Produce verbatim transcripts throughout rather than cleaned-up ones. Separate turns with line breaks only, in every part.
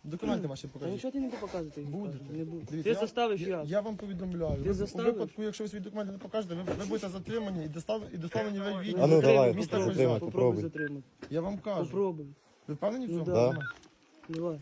Документи ваші
Та
покажіть.
нічого ти не показувати.
Будете.
Не буду.
Дивіться,
Ти
я-
заставиш
я,
я.
я вам повідомляю.
Ти
Ви-
заставиш?
У випадку, якщо ви свої документи не покажете, ви, ви будете затримані і доставлені, і доставлені в відділ.
А ну, давай,
міста
затримай,
Козяк.
Попробуй
попробуй.
затримати.
Я вам кажу.
Попробуй.
Ви впевнені в
Ну,
цьому?
да.
Да.
Давай.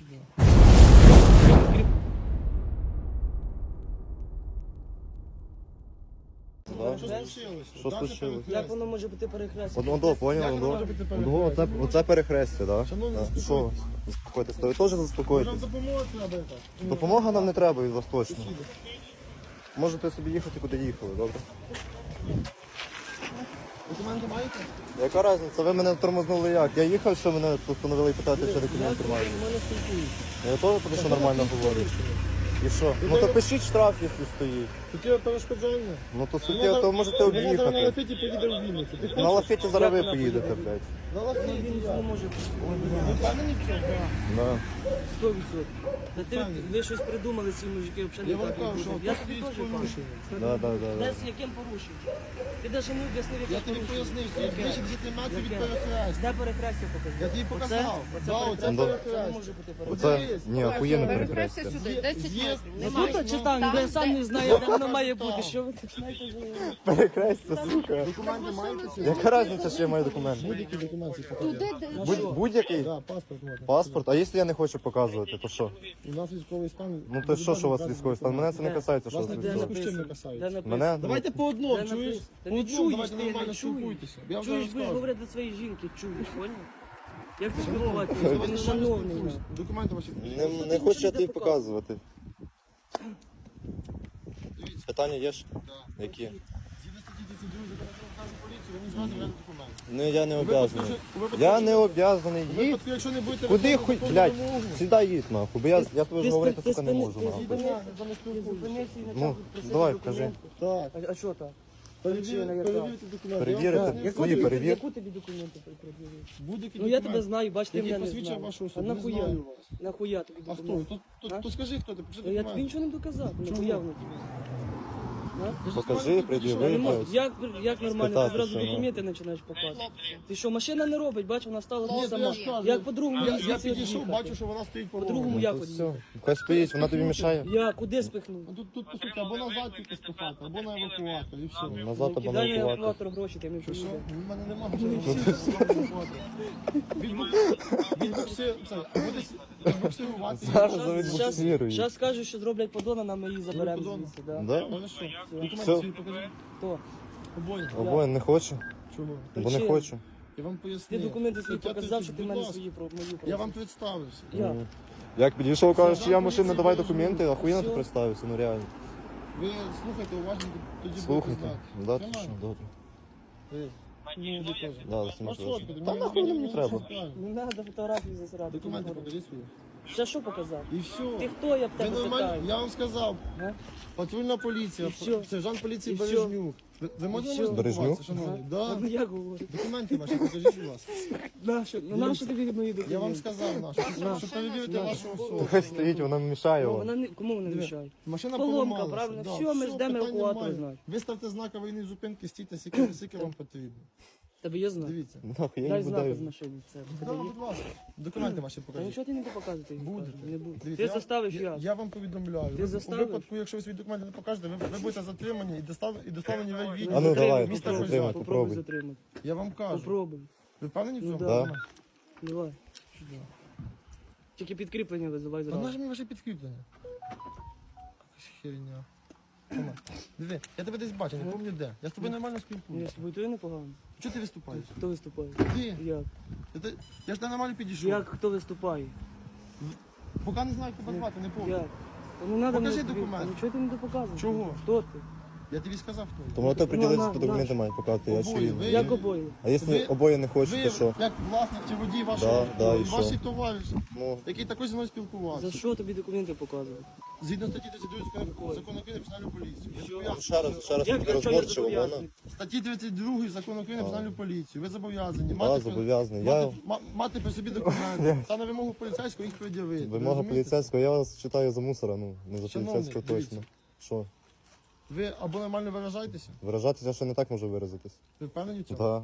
Да.
Що случилося?
Що
Да, це
случилось?
перехрестя.
Як воно може бути перехрестя?
Одно до, поняв,
Як воно може
одно.
бути
Одно, оце,
перехрестя?
оце перехрестя, так?
Шановні,
Да?
заспокойтесь.
Що? Заспокойтесь. То ви теж
Може вам
заспокойтесь.
допомога треба яка?
Допомога нам не треба від вас точно.
Сусіди.
Можете собі їхати, куди їхали, добре?
Документи маєте?
Яка різниця? Ви мене тормознули як? Я їхав, що мене постановили питати, чи документи
Я
маю.
нормально спілкуюся.
Я теж про що нормально говорю. І що? Ну то пишіть штраф, якщо стоїть.
Суттєве перешкоджання.
Ну то суттєво, то можете
Вона зараз на
об'їхати.
лафеті поїде в Вінницю. Ти
На
хочеш?
лафеті зараз ви
Як вона
поїдете,
поїде?
блядь.
На
Ну,
лафеті.
він
я.
не може.
Ви впевнені в цьому?
Да.
сто відсотків. Та ти, ви щось придумали, ці мужики, взагалі
Я
не
вам
так
кажу,
не
що
будуть. Я
тут
тобі
стоїть
теж кажу.
порушення.
Да, да, да, да.
Де з яким порушенням? Ти навіть не об'яснив, яке
Я тобі
порушення.
пояснив, що
Яке?
більше десяти метрів від
Яке?
перехрестя.
Де перехрестя покажи?
Я тобі показав.
Оце?
Да,
Оце
оце
Ну,
перехрестя? Це не може
перехрестя.
бути перехрестя.
Оце, ні, охуєнне
Перехрестя
перехрестя.
сюди, десять
Є-
метрів.
Ну,
Немає.
Тут чи там, я сам не знаю, де воно має бути. Що ви починаєте говорити?
Перехрестя, сука.
Документи маєте? чи ні?
Яка різниця, що я маю документи?
Будь-які документи
Туди,
покажіть.
де-
Будь- Будь-який
Да, паспорт можна.
паспорт, а якщо я не хочу показувати, то що?
У нас військовий стан.
Ну то що, що у вас військовий стан? Мене це не касається, що у
Вас
вас
не
Де
військовий.
написано.
написано?
касається.
Де написано?
Мене?
Давайте по одному,
Де
чуєш?
написано? Та
По
не
одному,
чуєш,
давайте
ти
нормально
не чуєш.
спілкуйтеся. Я вам
Чуєш,
зараз
будеш
скажу.
говорити до своєї жінки, чуєш, поняв? Як ти спілкуватися? Ти не шановний. нахуй.
Документи ваші.
Не, не хочу я тобі показувати. Питання є ж? Які?
Згідно статті тридцять два закону про поліцію, ви не зможете взяти документи.
Ну я не
У випадку,
обов'язаний.
якщо- у випадку,
Я
якщо-
не обов'язаний.
у
Їдь.
випадку, якщо не будете
Куди
виконувати
хуй,
законну
блядь,
вимогу,
сюди їдь нахуй, бо я, я тобі
Ти
ж говорити,
спи-
сука, не
ти
можу
спини-
нахуй.
ти
я з вами
Ти
спілкуюся.
зупинився і
Ну,
почав просити
давай,
документи.
Так.
А- А що так?
Перевірте
Причина яка?
перевірте документи.
Перевірити?
Я вам
Яку
Свої
тобі-
перевір.
Яку тобі документи пред'явили?
Будь-які
Ну я
документи,
тебе знаю, бач, ти
які
мене не
посвідчує
знаєш.
вашу
А
особу. Не
нахуя?
знаю вас.
Нахуя тобі
А хто?
документи?
То, то,
А?
то скажи, хто ти, покажи
Ну, Я тобі
документи.
нічого не доказав,
Чому?
нахуя воно тобі?
Покажи,
Я не
пред'яви,
можу.
блядь.
Як, як нормально, ти
Спитати,
зразу
що, ну.
документи починаєш показувати. Ти що, машина не робить, бач, вона стала
Ні,
тут
то
сама.
я ж кажу.
Як по-другому
Я, я
звідси
підійшов,
від'їхати?
бачу, що вона стоїть по
По-другому
дорогу.
як
То
од'їхати?
все. Хай стоїть, вона тобі мішає.
Я куди спихнув?
Ну, Тут, тут, по суті, або назад тільки спихати, або на евакуатор, і все.
Назад або на
Кидай на
евакуатор.
евакуатор гроші, ти не
Що, що?
поїде.
У мене немає вже Відбуксир, це, буде відбуксирувати.
Зараз
Щас-
завідбуксирую.
Зараз скажуть, що зроблять подона, нам ми її заберемо
подона?
звідси. Да.
Да?
Хорошо. Документи
Все.
свої покажи.
Хто?
Обоє.
Обоє не хочу,
Чого?
бо не
Причина.
хочу.
Я вам
Ти
пояснив.
документи свої
Стаття
показав, що ти
тридцять,
в мене
будь ласка.
свої про мої
Я
просив.
вам представився.
Я.
Як підійшов, кажеш, що я
Сержант
машина,
поліції
давай
Бережний.
документи, охуєнно ти
Все.
представився, ну реально.
Ви слухайте уважно, тоді будете
Слухайте.
знати.
Да, ти
Тримай.
що, добре.
Ви. Ну, ви теж.
Да,
Ну,
знімати
що
важко.
ти,
Та
мені-
нахуй
мені-
мені
мені
треба.
все правильно.
Не треба фотографії засирати.
Документи покажи свої.
Ще що показав?
І все.
Ти хто, я б
Ви
тебе
нормально,
питаю?
я вам сказав.
А?
Патрульна поліція,
І що?
сержант поліції
І що?
Бережнюк. Ви, ви можете
що?
мене спілкуватися,
Бережнюк?
шановний?
А,
Да.
Ну як говорю?
Документи ваші покажіть, будь ласка.
Нащо? Ну нащо тобі мої документи?
Я вам сказав, нашу, щоб, щоб перевірити вашу особу.
Хай стоїть, вона мішає
Ну,
вам.
вона не, кому вона
Диви,
мішає?
Машина
Поломка,
поламалася.
правильно?
Да,
Все, ми ждемо
питань
евакуатора,
немає.
знаю.
Виставте знак аварійної зупинки, стійте, скільки, скільки вам потрібно.
Тебе є знак?
Дивіться.
Нахуй, я
Дай
не
знак
буду.
з машини. Це
Да,
тебе є?
будь ласка. Документи ваші
Та
покажіть.
нічого ти не показувати.
Будете.
Не буду.
Дивіться,
Ти
я-
заставиш
я.
я.
Я вам повідомляю.
Ти
Ви-
заставиш?
У випадку, якщо ви свої документи не покажете, ви, ви будете затримані і доставлені, і доставлені в відділ.
А ну, давай,
міста
затримай,
Козяк.
Попробуй
попробуй.
затримати.
Я вам кажу.
Попробуй.
Ви впевнені в
Ну,
цьому?
да.
Да.
Давай. Тільки підкріплення визивай
Та
зразу.
нажми ваше підкріплення. Якась херня. Тома, диви, я тебе десь бачу, не пам'ятаю де. Я з тобою нормально
Ні,
спілкуюся.
з тобою то і непогано.
Чого ти виступаєш?
Хто виступає?
Ти?
Як?
Я, те- я ж тебе нормально підійшов.
Як хто виступає?
Поки не знаю, як тебе звати, не пам'ятаю.
Як? Та не треба
Покажи
мені тобі-
документи.
Та нічого ти не допоказуєш.
Чого?
Хто ти?
Я тобі сказав, хто. я.
Тому то приділитися
на,
по
на.
документи мають показати, я
Обоє,
чую.
ви-
Як обоє?
А якщо
Ви-
обоє не хочуть,
Ви,
то що?
як власник чи водій вашого
Да, да,
авто,
і
і ваш
що?
товариш,
Ну,
який також зі мною спілкувався.
За що тобі документи показувати?
Згідно статті тридцять два закону України про національну поліцію. Ви
ще
зобов'язані-
раз, ще раз
Як
таки
якщо я
розборчиво, вона.
зобов'язаний?
Статті тридцять два закону України про національну поліцію. Ви зобов'язані
Да,
мати, при-
зобов'язаний. Я,
мати, ма- мати при собі документи та на вимогу поліцейського їх пред'явити.
вимога
Розумієте?
поліцейського, я вас читаю за мусора, ну, не за
Шановний,
поліцейського
дивіться.
точно. Що?
Ви або нормально виражаєтеся,
Виражатися ще не так можу виразитись.
ви впевнені в цьому?
Да.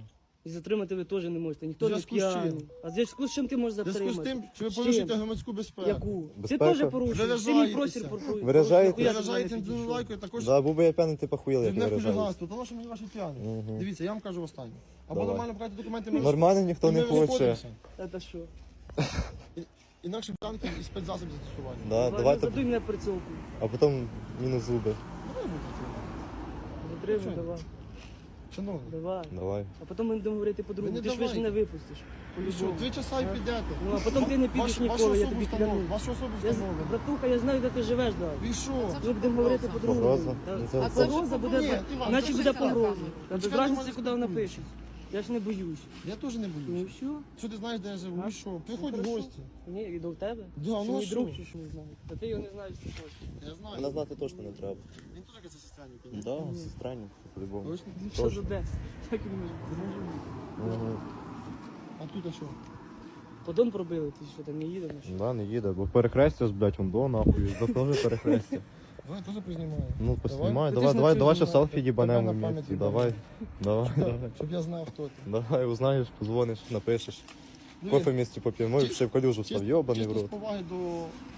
І затримати ви теж не можете, ніхто
В
не
зв'язку з чим?
п'яний. А в зв'язку з чим ти можеш
В зв'язку
затримати?
з тим, що ви
З чим?
порушуєте громадську безпеку.
Яку? Ти
Безпека.
теж порушуєш, ти мій
Виражаєтеся.
простір порушуєш.
Виражаєтеся.
Нахуя ти до
Виражаєте
мене підійшов?
інтелектуальною також
Да, був би я п'яний, ти похуїли, як
не
виражаєш.
хуліганство, тому що мені ваші п'яні.
Мгм.
Дивіться, я вам кажу останнє. Або
Давай.
нормально брати документи ми
Нормально ніхто
і
не
ми
хоче.
розходимося.
Це що?
Інакше танки і спецзасіб застосування.
Да,
Давай,
давайте,
задуй мене прицілку.
а потім мінус зуби.
Давай будемо.
Затримуй,
Чого?
давай.
Шановний,
Давай.
Давай.
А потім ми будемо говорити
Ви
по-другому.
не
Ти ж ви ж
давайте.
мене випустиш.
ви що,
По-любому.
три часа і
А?
підете.
Ну, а потім ти не підеш
Вашу-
ніколи,
вашу
я
особу
тобі
встановлено.
клянусь.
Вашу особу
Я, з-
встановлено.
братуха, я знаю, де ти живеш, да.
Ви що?
Ми будемо говорити по-другому.
Погроза?
Да.
Ну, це-
А
це-
погроза буде,
Ні, Іван,
наче
це
буде
ж
погроза.
так.
Та без
Чекай,
разниці,
нормально
куди вона
спілкуємося.
пише. Я ж не боюсь.
Я теж не
Ну
боюсь.
що?
Що ти знаєш, де я живу?
А?
Ви що? Приходь
Ну,
в
хорошо.
гості.
Ні, і до тебе?
Да,
Що
ну а
мій
що?
друг, чи що не знаю. Та ти його не знаєш, що хочеш.
Я знаю.
Мене знати точно не треба.
Він теж якась сестрянка.
Да, сестрані, по-любому.
Точно?
Що за де? Як він може? Це може бути.
Мгм.
А тут а що?
Подон пробили, ти що там не їдеш?
Да, не їде, бо перехрестя, блядь, вон до нахуй, до теж перехрестя.
Давай теж познімаю.
Ну, поснімай,
Давай.
давай,
Ти
давай,
ж
давай,
на
ще
цю
селфі
знімай.
їбанемо
Тебе на
вместе,
пам'ять
давай, давай, давай.
Щоб я знав, хто ти.
Давай, узнаєш, позвониш, напишеш.
Диви,
Кофе вместе поп'ємо і ще в калюжу став,
чис-
йобаний в
чисто з
рот.
поваги до